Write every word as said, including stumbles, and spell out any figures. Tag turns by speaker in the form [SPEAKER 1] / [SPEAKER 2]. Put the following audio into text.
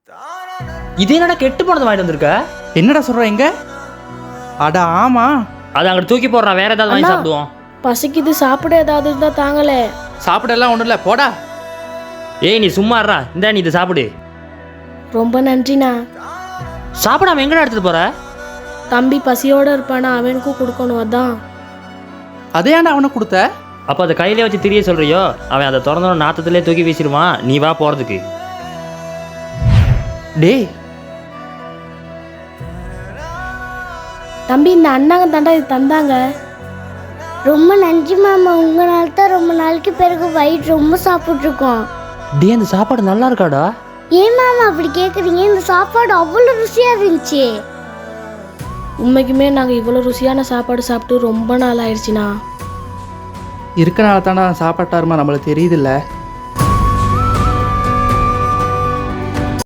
[SPEAKER 1] இது என்னடா கெட்டு போனது வாங்கிட்டு வந்திருக்க?
[SPEAKER 2] என்னடா சொல்ற எங்க? அட ஆமா,
[SPEAKER 1] அதை அங்கிட்டு தூக்கி போடுறான், வேற ஏதாவது வாங்கி சாப்பிடுவோம்.
[SPEAKER 3] பசிக்குது, சாப்பிட ஏதாவது இருந்தா தாங்களே.
[SPEAKER 2] சாப்பிடலாம் ஒன்றும் இல்லை, போடா.
[SPEAKER 1] ஏய் நீ சும்மா இருடா, இந்தா நீ இதை சாப்பிடு.
[SPEAKER 3] ரொம்ப நன்றிண்ணா.
[SPEAKER 1] சாப்பிடாம எங்கடா எடுத்துட்டு போற?
[SPEAKER 3] தம்பி பசியோட இருப்பானா, அவனுக்கும் கொடுக்கணும், அதான்.
[SPEAKER 2] அதே ஏன்டா அவனை கொடுத்த?
[SPEAKER 1] அப்போ அதை கையிலே வச்சு திரிய சொல்றியோ? அவன் அதை திறந்தோட நாத்தத்திலே தூக்கி வீசிடுவான், நீ வா போறதுக்கு.
[SPEAKER 2] டேய்
[SPEAKER 3] தம்பி, இந்த அண்ணாங்க தாண்டா இது தந்தாங்க.
[SPEAKER 4] ரொம்ப நன்றி மாமா, உங்களால தான் ரொம்ப நாளைக்கு பிறகு வயிறு ரொம்ப சாப்பிட்ருக்கோம்.
[SPEAKER 1] டே இந்த சாப்பாடு நல்லா இருக்காடா?
[SPEAKER 4] ஏன் மாமா அப்படி கேட்குறீங்க? இந்த சாப்பாடு அவ்வளோ ருசியாக இருந்துச்சு.
[SPEAKER 3] உண்மைக்குமே நாங்கள் இவ்வளோ ருசியான சாப்பாடு சாப்பிட்டு ரொம்ப நாள் ஆயிடுச்சுண்ணா.
[SPEAKER 2] இருக்கனால தானே சாப்பாட்டாருமா நம்மளுக்கு தெரியுதில்ல.